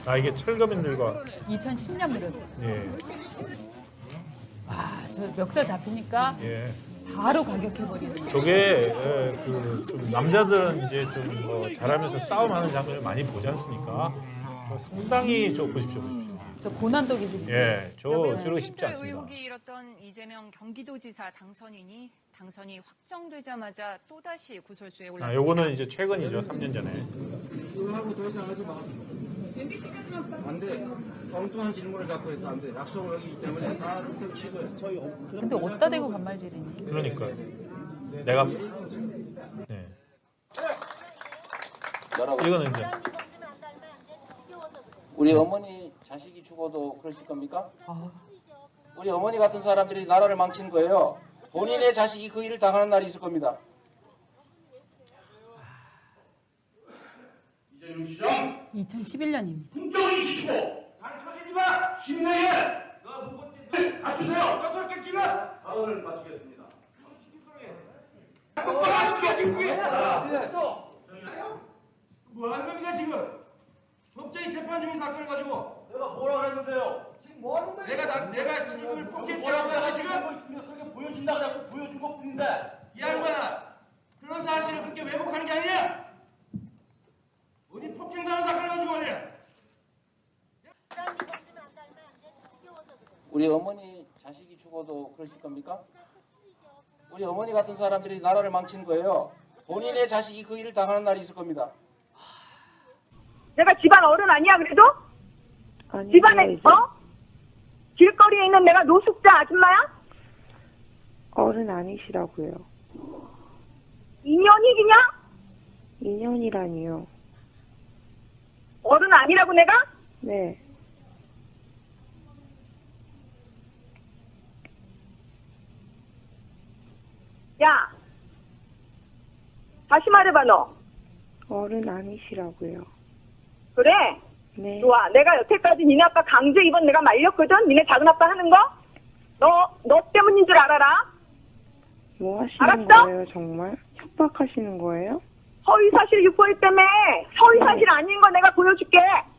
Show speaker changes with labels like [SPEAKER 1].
[SPEAKER 1] 아, 이게 철거민들과
[SPEAKER 2] 2010년 무렵.
[SPEAKER 1] 예.
[SPEAKER 2] 아, 저 멱살 잡히니까
[SPEAKER 1] 예.
[SPEAKER 2] 바로 가격해버리는.
[SPEAKER 1] 저게 좀 남자들은 이제 좀 뭐 잘하면서 싸움하는 장면을 많이 보지 않습니까? 저 상당히 보십시오.
[SPEAKER 2] 저 고난도 기술이죠.
[SPEAKER 1] 예, 저러기 쉽지
[SPEAKER 3] 식인돌
[SPEAKER 1] 않습니다.
[SPEAKER 3] 의혹이 일었던 이재명 경기도지사 당선이 확정되자마자 또다시 구설수에
[SPEAKER 1] 아,
[SPEAKER 3] 올랐습니다.
[SPEAKER 1] 요거는 이제 최근이죠, 3년 전에.
[SPEAKER 4] 하고 더 이상 하지 마. 안 돼. 엉뚱한 질문을 자꾸 해서 안 돼. 약속을 어기기 때문에 다 그때 취소해.
[SPEAKER 2] 근데 어디다 대고 반말질이니?
[SPEAKER 1] 그러니까 내가 네. 이거는 이제
[SPEAKER 5] 우리 어머니 자식이 죽어도 그러실 겁니까?
[SPEAKER 2] 아,
[SPEAKER 5] 우리 어머니 같은 사람들이 나라를 망치는 거예요. 본인의 자식이 그 일을 당하는 날이 있을 겁니다.
[SPEAKER 6] 이재명 시장
[SPEAKER 2] 2011년입니다.
[SPEAKER 6] 공정히 지키고 단서지지 마. 힘내게 너 무겁지 갖추세요. 여섯 개 지금 발언을 마치겠습니다. 똑바로 하시게 지금 뭐 하는 겁니까 지금? 법정이 재판 중인 사건을 가지고 내가 뭐라 그랬는데요? 지금 뭐 하는 거예요? 내가 지금 폭행했다고 하는 지금 그렇게 보여준다고 자꾸 보여준 것 뿐인데 이 양반아 그런 사실을 그렇게 왜곡하는 게 아니야. 어디 폭행당한 사건을 가지고 말이야.
[SPEAKER 5] 우리 어머니 자식이 죽어도 그러실 겁니까? 우리 어머니 같은 사람들이 나라를 망치는 거예요. 본인의 자식이 그 일을 당하는 날이 있을 겁니다.
[SPEAKER 7] 내가 집안 어른 아니야 그래도?
[SPEAKER 8] 아니,
[SPEAKER 7] 집안에 길거리에 있는 내가 노숙자 아줌마야?
[SPEAKER 8] 어른 아니시라고요.
[SPEAKER 7] 인연이 그냥?
[SPEAKER 8] 2년이라니요.
[SPEAKER 7] 어른 아니라고 내가?
[SPEAKER 8] 네.
[SPEAKER 7] 야 다시 말해봐 너.
[SPEAKER 8] 어른 아니시라고요.
[SPEAKER 7] 그래?
[SPEAKER 8] 네.
[SPEAKER 7] 좋아. 내가 여태까지 니네 아빠 강제 입원 내가 말렸거든? 니네 작은 아빠 하는 거? 너 때문인 줄 알아라?
[SPEAKER 8] 뭐 하시는
[SPEAKER 7] 알았어?
[SPEAKER 8] 거예요, 정말? 협박하시는 거예요?
[SPEAKER 7] 허위사실 유포일 때문에 허위사실 아닌 거 내가 보여줄게.